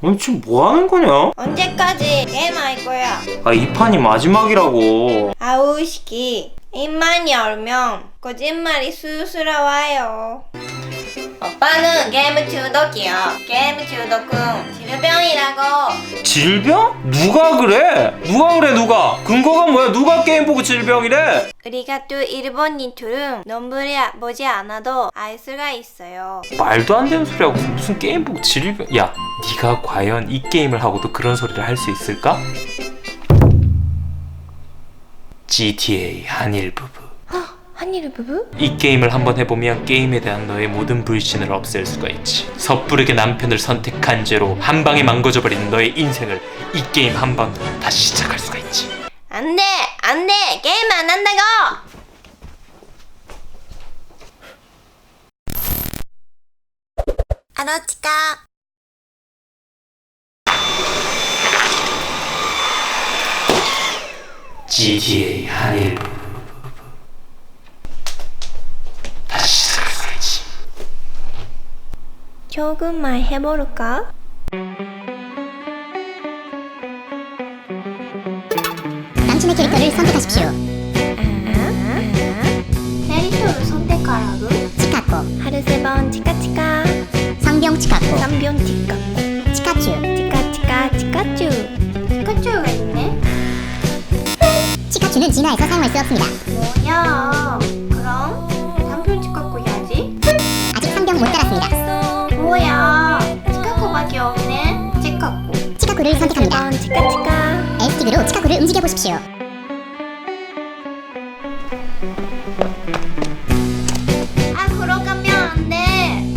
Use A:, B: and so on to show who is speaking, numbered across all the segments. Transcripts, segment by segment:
A: 아니 지금 뭐 하는 거냐?
B: 언제까지 게임 할 거야?
A: 아 이 판이 마지막이라고.
B: 아우시키 입만 열면 거짓말이 술술 와요. 오빠는 게임 중독이야. 게임 중독은 질병이라고.
A: 질병? 누가 그래? 누가? 근거가 뭐야? 누가 게임 보고 질병이래?
B: 우리가 또 일본인들은 nombre 보지 않아도 알 수가 있어요.
A: 말도 안 되는 소리하고 무슨 게임 보고 질병. 야 네가 과연 이 게임을 하고도 그런 소리를 할 수 있을까? GTA 한일 부부.
B: 한일 부부?
A: 이 게임을 한번 해보면 게임에 대한 너의 모든 불신을 없앨 수가 있지. 섣부르게 남편을 선택한 죄로 한 방에 망가져버린 너의 인생을 이 게임 한 방으로 다시 시작할 수가 있지.
B: 안돼 안돼 게임 안 한다고. 아로치카
A: GTA 한일 부부. 다시 시작할 수가 있지.
B: 조금만 해볼까?
C: 남친의 캐릭터를 선택하십시오.
B: 캐릭터를 선택하라고?
C: 치카코,
B: 하루세번 치카치카
C: 성병 치카코,
B: 쌍변 치카코
C: 치카츄.
B: 치카치카 치카츄. 치카츄가 있네?
C: 치카츄는 진화해서 사용할 수 없습니다.
B: 뭐야? 그럼 삼촌 치카코 해야지.
C: 아직 성병 못 달았습니다.
B: 뭐야? 치카코밖에 없네. 치카코.
C: 치카코를 선택합니다.
B: 하루세번 치카치카.
C: L스틱으로 치카코를 움직여 보십시오.
B: 아 그러 가면 안 돼.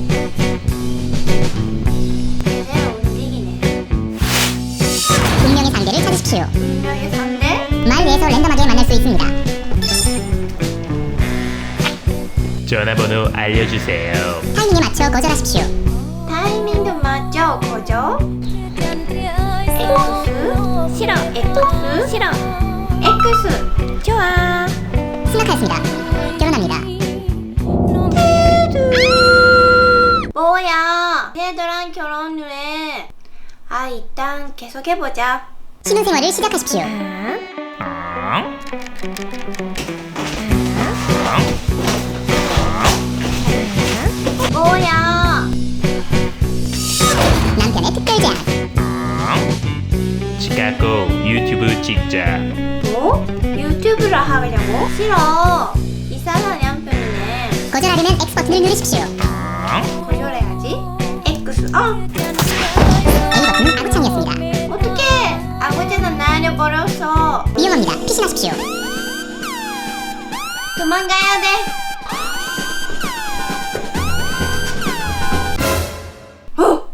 B: 제대로 움직이네.
C: 운명의 상대를 찾으십시오.
B: 분명히 상대?
C: 말 위에서 랜덤하게 만날 수 있습니다.
A: 전화번호 알려주세요.
C: 타이밍에 맞춰 거절하십시오.
B: 타이밍도 맞죠? 거죠? X 싫어. X 싫어. X 좋아.
C: 승낙하였습니다. 결혼합니다.
B: 뭐야? 걔들랑 결혼을 해. 아 일단 계속해보자.
C: 신혼생활을 시작하십시오.
B: 뭐야?
C: 남편의 특별 제안.
A: 치카고 유튜브 찍자.
B: 뭐? 유튜브를 하려고? 싫어. 이상한 남편이네.
C: 거절하려면 X 버튼을 누르십시오.
B: 거절해야지. X
C: A 버튼은 아구창이었습니다.
B: 어떡해? 아버지는 날려버렸어.
C: 위험합니다. 피신하십시오.
B: 도망가야 돼. 어?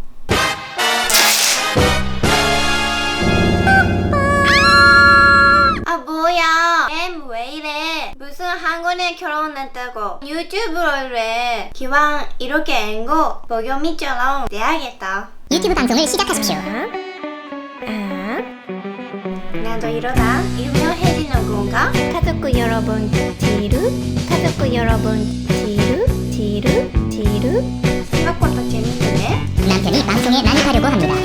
B: 아 뭐야? 게임 왜 이래? 무슨 한국에 결혼했다고 유튜브를 해? 기왕 이렇게 앵고 보겸이처럼 돼야겠다.
C: 유튜브 방송을 시작하십시오.
B: 나도 이러다 유명해지는 건가? 가족 여러분 지루 가족 여러분 지루 생각보다 재밌는데?
C: 남편이 방송에 난입하려고 합니다.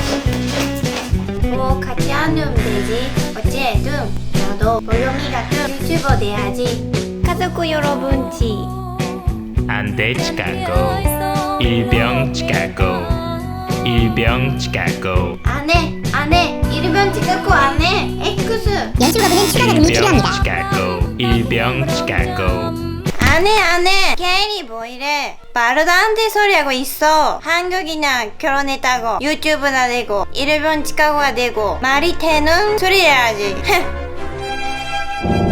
B: 뭐 같이 하면 되지. 어쨌든 나도 보겸이 같은 유튜버 돼야지. 가족 여러분
A: 안돼 치카고. 일병 치카고. 일병 치카고.
B: 안해 일본 찍고 안해. X
C: 연출 거부는 추가 자금이 필요합니다.
A: 치카고. 일병 치카고.
B: 안해 걔이 뭐 이래. 말도 안 돼 소리하고 있어. 한국이나 결혼했다고 유튜브나 되고 일본 치카고가 되고 말이 되는 소리 해야지.